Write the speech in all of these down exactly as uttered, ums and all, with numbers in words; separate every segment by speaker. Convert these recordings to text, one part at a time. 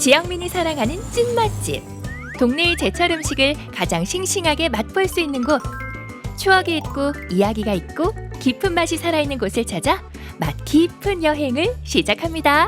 Speaker 1: 지영민이 사랑하는 찐 맛집. 동네의 제철 음식을 가장 싱싱하게 맛볼 수 있는 곳. 추억이 있고 이야기가 있고 깊은 맛이 살아있는 곳을 찾아 맛 깊은 여행을 시작합니다.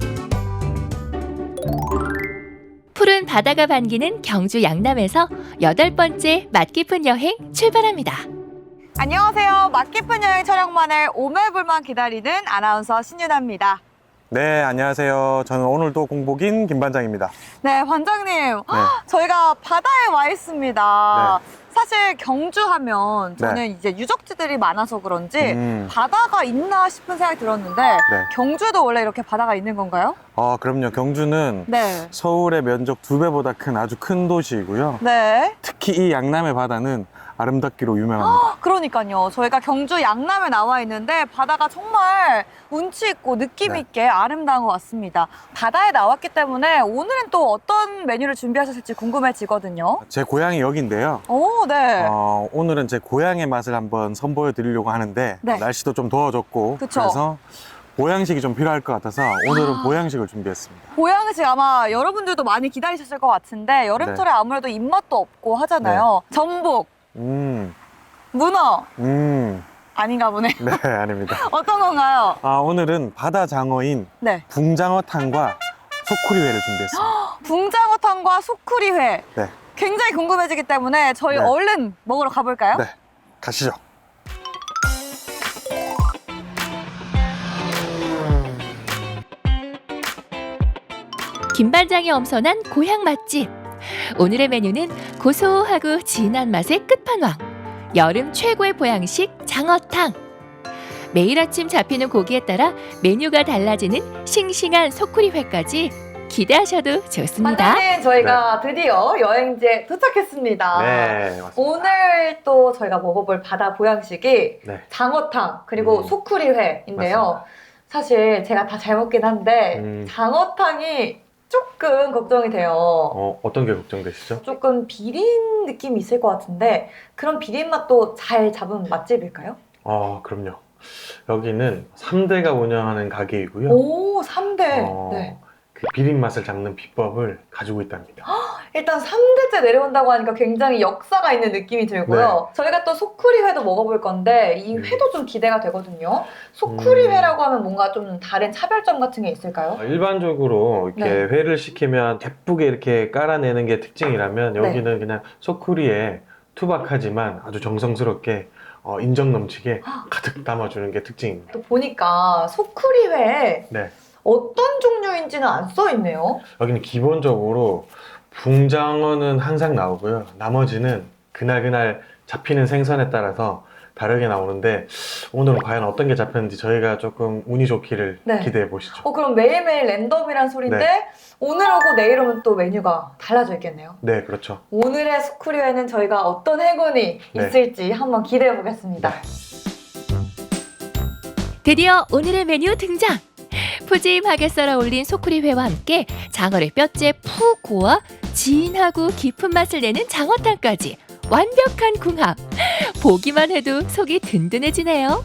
Speaker 1: 푸른 바다가 반기는 경주 양남에서 여덟 번째 맛 깊은 여행 출발합니다.
Speaker 2: 안녕하세요. 맛 깊은 여행 촬영만을 오매불만 기다리는 아나운서 신유나입니다.
Speaker 3: 네, 안녕하세요. 저는 오늘도 공복인 김반장입니다.
Speaker 2: 네, 반장님.
Speaker 3: 네.
Speaker 2: 저희가 바다에 와 있습니다.
Speaker 3: 네.
Speaker 2: 사실 경주하면 저는
Speaker 3: 네.
Speaker 2: 이제 유적지들이 많아서 그런지
Speaker 3: 음.
Speaker 2: 바다가 있나 싶은 생각이 들었는데
Speaker 3: 네.
Speaker 2: 경주도 원래 이렇게 바다가 있는 건가요?
Speaker 3: 아, 그럼요. 경주는
Speaker 2: 네.
Speaker 3: 서울의 면적 두 배보다 큰 아주 큰 도시이고요.
Speaker 2: 네.
Speaker 3: 특히 이 양남의 바다는 아름답기로 유명합니다.
Speaker 2: 그러니까요. 저희가 경주 양남에 나와 있는데 바다가 정말 운치 있고 느낌
Speaker 3: 네.
Speaker 2: 있게 아름다운 것 같습니다. 바다에 나왔기 때문에 오늘은 또 어떤 메뉴를 준비하셨을지 궁금해지거든요.
Speaker 3: 제 고향이 여기인데요.
Speaker 2: 오, 네.
Speaker 3: 어, 오늘은 제 고향의 맛을 한번 선보여 드리려고 하는데
Speaker 2: 네.
Speaker 3: 날씨도 좀 더워졌고
Speaker 2: 그쵸.
Speaker 3: 그래서 보양식이 좀 필요할 것 같아서 오늘은
Speaker 2: 아.
Speaker 3: 보양식을 준비했습니다.
Speaker 2: 보양식 아마 여러분들도 많이 기다리셨을 것 같은데 여름철에
Speaker 3: 네.
Speaker 2: 아무래도 입맛도 없고 하잖아요. 전복,
Speaker 3: 음,
Speaker 2: 문어
Speaker 3: 음,
Speaker 2: 아닌가 보네.
Speaker 3: 네, 아닙니다.
Speaker 2: 어떤 건가요?
Speaker 3: 아, 오늘은 바다 장어인
Speaker 2: 네.
Speaker 3: 붕장어탕과 소쿠리회를 준비했습니다.
Speaker 2: 붕장어탕과 소쿠리회.
Speaker 3: 네,
Speaker 2: 굉장히 궁금해지기 때문에 저희
Speaker 3: 네.
Speaker 2: 얼른 먹으러 가볼까요?
Speaker 3: 네, 가시죠.
Speaker 1: 김반장이 엄선한 고향 맛집. 오늘의 메뉴는 고소하고 진한 맛의 끝판왕. 여름 최고의 보양식 장어탕. 매일 아침 잡히는 고기에 따라 메뉴가 달라지는 싱싱한 소쿠리회까지 기대하셔도 좋습니다.
Speaker 2: 반장님, 저희가 드디어 여행지에 도착했습니다.
Speaker 3: 네, 맞습니다.
Speaker 2: 오늘 또 저희가 먹어볼 바다 보양식이
Speaker 3: 네.
Speaker 2: 장어탕 그리고
Speaker 3: 음.
Speaker 2: 소쿠리회인데요.
Speaker 3: 맞습니다.
Speaker 2: 사실 제가 다 잘 먹긴 한데
Speaker 3: 음.
Speaker 2: 장어탕이 조금 걱정이 돼요.
Speaker 3: 어, 어떤 게 걱정되시죠?
Speaker 2: 조금 비린 느낌이 있을 것 같은데 그런 비린 맛도 잘 잡은 맛집일까요?
Speaker 3: 어, 그럼요. 여기는 삼 대가 운영하는 가게이고요.
Speaker 2: 오, 삼 대.
Speaker 3: 어,
Speaker 2: 네.
Speaker 3: 그 비린 맛을 잡는 비법을 가지고 있답니다.
Speaker 2: 일단 삼 대째 내려온다고 하니까 굉장히 역사가 있는 느낌이 들고요. 저희가 또 소쿠리회도 먹어볼 건데 이
Speaker 3: 음.
Speaker 2: 회도 좀 기대가 되거든요. 소쿠리회라고 하면 뭔가 좀 다른 차별점 같은 게 있을까요?
Speaker 3: 어, 일반적으로 이렇게
Speaker 2: 네.
Speaker 3: 회를 시키면 예쁘게 이렇게 깔아내는 게 특징이라면
Speaker 2: 네.
Speaker 3: 여기는 그냥 소쿠리에 투박하지만 아주 정성스럽게 어, 인정 넘치게 가득 담아주는 게 특징입니다.
Speaker 2: 또 보니까 소쿠리회에
Speaker 3: 네.
Speaker 2: 어떤 종류인지는 안 써있네요.
Speaker 3: 여기는 기본적으로 붕장어는 항상 나오고요. 나머지는 그날그날 잡히는 생선에 따라서 다르게 나오는데 오늘은 과연 어떤 게 잡혔는지 저희가 조금 운이 좋기를
Speaker 2: 네.
Speaker 3: 기대해 보시죠.
Speaker 2: 어, 그럼 매일매일 랜덤이란 소린데
Speaker 3: 네.
Speaker 2: 오늘 오고 내일 오면 또 메뉴가 달라져 있겠네요.
Speaker 3: 네, 그렇죠.
Speaker 2: 오늘의 소쿠리회는 저희가 어떤 행운이
Speaker 3: 네.
Speaker 2: 있을지 한번 기대해 보겠습니다.
Speaker 1: 드디어 오늘의 메뉴 등장! 푸짐하게 썰어 올린 소쿠리회와 함께 장어를 뼈째 푹 고아 진하고 깊은 맛을 내는 장어탕까지 완벽한 궁합! 보기만 해도 속이 든든해지네요.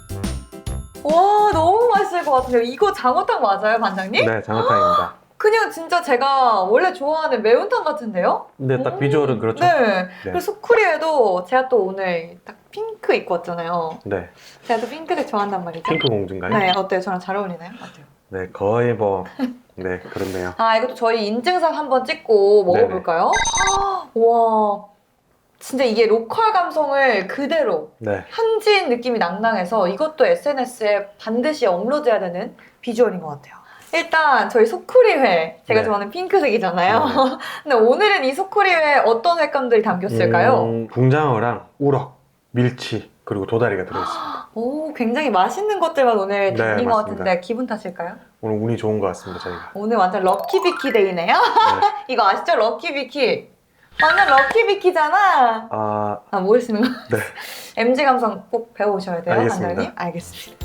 Speaker 2: 와, 너무 맛있을 것 같은데요. 이거 장어탕 맞아요, 반장님?
Speaker 3: 네, 장어탕입니다.
Speaker 2: 그냥 진짜 제가 원래 좋아하는 매운탕 같은데요?
Speaker 3: 근데 딱
Speaker 2: 음,
Speaker 3: 비주얼은 그렇죠.
Speaker 2: 네.
Speaker 3: 네.
Speaker 2: 그리고 소쿠리에도 제가 또 오늘 딱 핑크 입고 왔잖아요.
Speaker 3: 네.
Speaker 2: 제가 또 핑크색 좋아한단 말이죠.
Speaker 3: 핑크 공주인가요?
Speaker 2: 네, 어때요? 저랑 잘 어울리나요? 어때요?
Speaker 3: 네, 거의 뭐, 네, 그렇네요.
Speaker 2: 아, 이것도 저희 인증샷 한번 찍고 먹어볼까요? 와, 진짜 이게 로컬 감성을 그대로
Speaker 3: 네.
Speaker 2: 현지인 느낌이 낭낭해서 이것도 에스엔에스에 반드시 업로드해야 되는 비주얼인 것 같아요. 일단 저희 소쿠리회, 제가
Speaker 3: 네.
Speaker 2: 좋아하는 핑크색이잖아요. 근데 오늘은 이 소쿠리회에 어떤 횟감들이 담겼을까요?
Speaker 3: 음, 붕장어랑 우럭, 밀치, 그리고 도다리가 들어있습니다.
Speaker 2: 오, 굉장히 맛있는 것들만 오늘
Speaker 3: 네,
Speaker 2: 담긴 것
Speaker 3: 맞습니다.
Speaker 2: 같은데 기분 탓일까요?
Speaker 3: 오늘 운이 좋은 것 같습니다, 저희가.
Speaker 2: 오늘 완전 럭키비키 데이네요? 이거 아시죠? 럭키비키. 완전 럭키비키잖아.
Speaker 3: 아,
Speaker 2: 아, 모르시는 거?
Speaker 3: 네.
Speaker 2: 엠지 감성 꼭 배워오셔야 돼요,
Speaker 3: 알겠습니다.
Speaker 2: 반장님. 알겠습니다.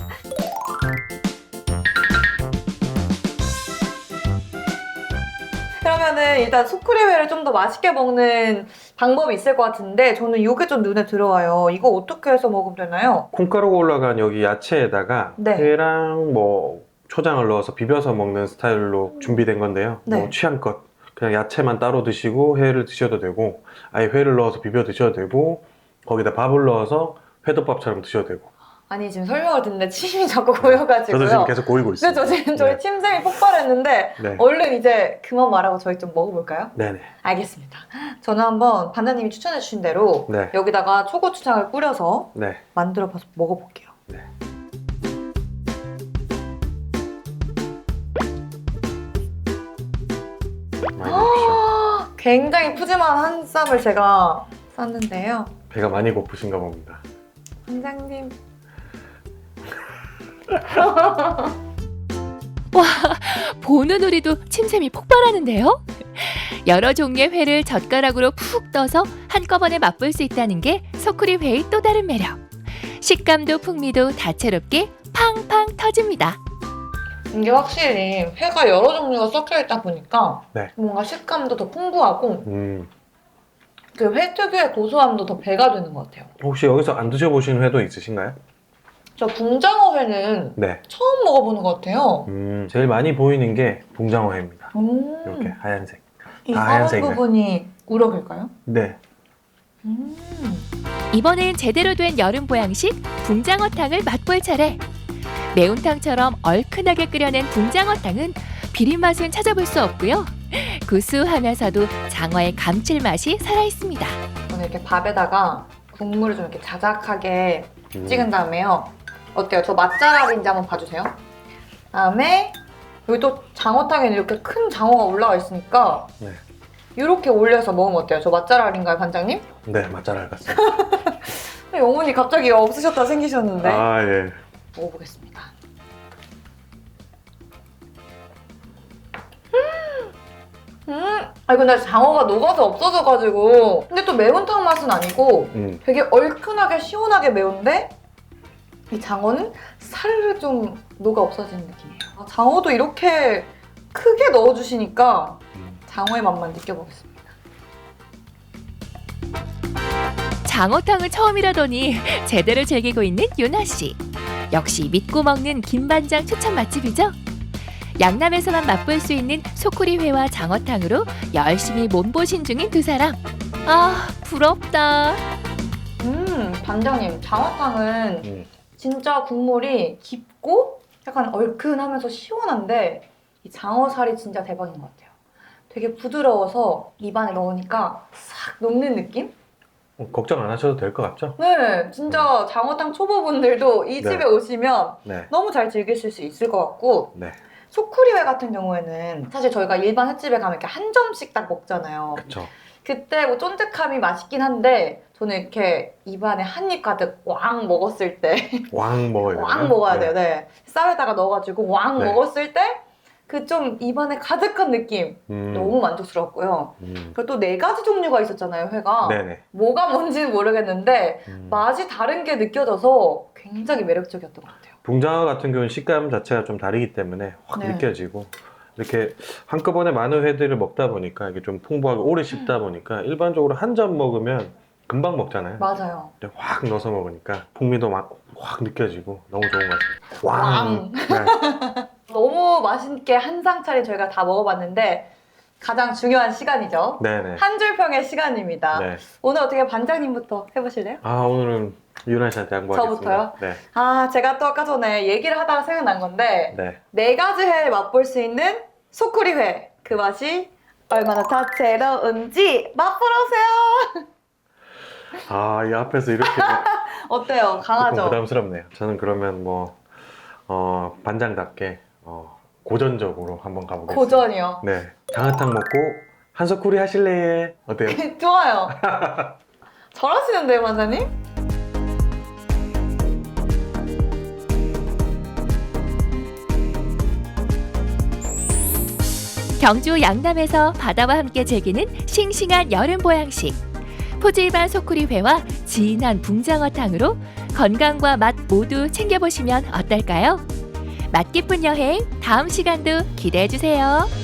Speaker 2: 그러면은 일단 소쿠리회를 좀 더 맛있게 먹는 방법이 있을 것 같은데 저는 이게 좀 눈에 들어와요. 이거 어떻게 해서 먹으면 되나요?
Speaker 3: 콩가루가 올라간 여기 야채에다가
Speaker 2: 네.
Speaker 3: 회랑 뭐 초장을 넣어서 비벼서 먹는 스타일로 준비된 건데요.
Speaker 2: 네.
Speaker 3: 뭐 취향껏 그냥 야채만 따로 드시고 회를 드셔도 되고 아예 회를 넣어서 비벼 드셔도 되고 거기다 밥을 넣어서 회덮밥처럼 드셔도 되고.
Speaker 2: 아니 지금 설명을 듣는데 침이 자꾸 고여가지고요.
Speaker 3: 저도 지금 계속 고이고 있어요.
Speaker 2: 그죠? 지금 저희
Speaker 3: 네.
Speaker 2: 침샘이 폭발했는데
Speaker 3: 네.
Speaker 2: 얼른 이제 그만 말하고 저희 좀 먹어볼까요?
Speaker 3: 네네.
Speaker 2: 알겠습니다. 저는 한번 반장님이 추천해 주신 대로
Speaker 3: 네.
Speaker 2: 여기다가 초고추장을 뿌려서
Speaker 3: 네.
Speaker 2: 만들어 봐서 먹어볼게요.
Speaker 3: 네. 많이 드십시오.
Speaker 2: 굉장히 푸짐한 한 쌈을 제가 쌌는데요.
Speaker 3: 배가 많이 고프신가 봅니다.
Speaker 2: 반장님.
Speaker 1: 보는 우리도 침샘이 폭발하는데요. 여러 종류의 회를 젓가락으로 푹 떠서 한꺼번에 맛볼 수 있다는 게 소쿠리 회의 또 다른 매력. 식감도 풍미도 다채롭게 팡팡 터집니다.
Speaker 2: 이게 확실히 회가 여러 종류가 섞여 있다 보니까
Speaker 3: 네.
Speaker 2: 뭔가 식감도 더 풍부하고
Speaker 3: 음,
Speaker 2: 그 회 특유의 고소함도 더 배가 되는 것 같아요.
Speaker 3: 혹시 여기서 안 드셔보신 회도 있으신가요?
Speaker 2: 저 붕장어 회는
Speaker 3: 네.
Speaker 2: 처음 먹어보는 것 같아요.
Speaker 3: 음, 제일 많이 보이는 게 붕장어회입니다.
Speaker 2: 음,
Speaker 3: 이렇게 하얀색.
Speaker 2: 이
Speaker 3: 다
Speaker 2: 파란
Speaker 3: 하얀색이네.
Speaker 2: 부분이 우럭일까요?
Speaker 3: 네.
Speaker 2: 음.
Speaker 1: 이번엔 제대로 된 여름 보양식 붕장어탕을 맛볼 차례. 매운탕처럼 얼큰하게 끓여낸 붕장어탕은 비린 맛은 찾아볼 수 없고요. 구수하면서도 장어의 감칠맛이 살아있습니다.
Speaker 2: 저는 이렇게 밥에다가 국물을 좀 이렇게 자작하게
Speaker 3: 음.
Speaker 2: 찍은 다음에요. 어때요? 저 맛잘알인지 한번 봐주세요. 다음에 여기 또 장어탕에는 이렇게 큰 장어가 올라가 있으니까
Speaker 3: 네.
Speaker 2: 이렇게 올려서 먹으면 어때요? 저 맛잘알인가요, 반장님?
Speaker 3: 네, 맛잘알 같습니다.
Speaker 2: 영혼이 갑자기 없으셨다 생기셨는데
Speaker 3: 아, 예.
Speaker 2: 먹어보겠습니다. 음, 음, 아니 근데 장어가 녹아서 없어져가지고 근데 또 매운탕 맛은 아니고
Speaker 3: 음,
Speaker 2: 되게 얼큰하게 시원하게 매운데 이 장어는 사르르 좀 녹아 없어지는 느낌이에요. 아, 장어도 이렇게 크게 넣어주시니까
Speaker 3: 음.
Speaker 2: 장어의 맛만 느껴보겠습니다.
Speaker 1: 장어탕은 처음이라더니 제대로 즐기고 있는 유나 씨. 역시 믿고 먹는 김반장 추천 맛집이죠. 양남에서만 맛볼 수 있는 소쿠리 회와 장어탕으로 열심히 몸보신 중인 두 사람. 아, 부럽다.
Speaker 2: 음, 반장님 장어탕은
Speaker 3: 음.
Speaker 2: 진짜 국물이 깊고 약간 얼큰하면서 시원한데 이 장어살이 진짜 대박인 것 같아요. 되게 부드러워서 입안에 넣으니까 싹 녹는 느낌?
Speaker 3: 어, 걱정 안 하셔도 될 것 같죠?
Speaker 2: 네, 진짜 장어탕 초보분들도 이
Speaker 3: 네.
Speaker 2: 집에 오시면
Speaker 3: 네.
Speaker 2: 너무 잘 즐기실 수 있을 것 같고
Speaker 3: 네.
Speaker 2: 소쿠리회 같은 경우에는 사실 저희가 일반 횟집에 가면 이렇게 한 점씩 딱 먹잖아요.
Speaker 3: 그쵸.
Speaker 2: 그때 뭐 쫀득함이 맛있긴 한데 저는 이렇게 입안에 한 입 가득 왕 먹었을 때
Speaker 3: 왕 먹어야 돼요.
Speaker 2: 왕 먹어야 돼요. 네. 쌀에다가 넣어가지고 왕
Speaker 3: 네.
Speaker 2: 먹었을 때 그 좀 입안에 가득한 느낌
Speaker 3: 음.
Speaker 2: 너무 만족스러웠고요.
Speaker 3: 음.
Speaker 2: 그리고 또 네 가지 종류가 있었잖아요, 회가.
Speaker 3: 네네.
Speaker 2: 뭐가 뭔지는 모르겠는데
Speaker 3: 음.
Speaker 2: 맛이 다른 게 느껴져서 굉장히 매력적이었던 것 같아요.
Speaker 3: 붕장어 같은 경우는 식감 자체가 좀 다르기 때문에 확
Speaker 2: 네.
Speaker 3: 느껴지고 이렇게 한꺼번에 많은 회들을 먹다 보니까 이게 좀 풍부하게 오래 씹다 보니까 일반적으로 한 점 먹으면 금방 먹잖아요.
Speaker 2: 맞아요.
Speaker 3: 근데 확 넣어서 먹으니까 풍미도 막 확 느껴지고 너무 좋은 것 같습니다.
Speaker 2: 왕.
Speaker 3: 네.
Speaker 2: 너무 맛있게 한 상 차례 저희가 다 먹어봤는데 가장 중요한 시간이죠.
Speaker 3: 네네.
Speaker 2: 한 줄 평의 시간입니다.
Speaker 3: 네.
Speaker 2: 오늘 어떻게 반장님부터 해보실래요?
Speaker 3: 아 오늘은 유나 씨한테 양보하겠습니다.
Speaker 2: 저부터요?
Speaker 3: 네.
Speaker 2: 아, 제가 또 아까 전에 얘기를 하다가 생각난 건데
Speaker 3: 네.
Speaker 2: 네 가지 회 맛볼 수 있는 소쿠리회 그 맛이 얼마나 다채로운지 맛보러 오세요.
Speaker 3: 아 이 앞에서 이렇게
Speaker 2: 어때요?
Speaker 3: 조금
Speaker 2: 강하죠?
Speaker 3: 부담스럽네요. 저는 그러면 뭐 어, 반장답게 어, 고전적으로 한번 가보겠습니다.
Speaker 2: 고전이요.
Speaker 3: 네. 장어탕 먹고 한소쿠리 하실래? 어때요?
Speaker 2: 좋아요. 잘하시는데요, 반장님?
Speaker 1: 경주 양남에서 바다와 함께 즐기는 싱싱한 여름 보양식. 포질반 소쿠리회와 진한 붕장어탕으로 건강과 맛 모두 챙겨보시면 어떨까요? 맛 깊은 여행 다음 시간도 기대해주세요.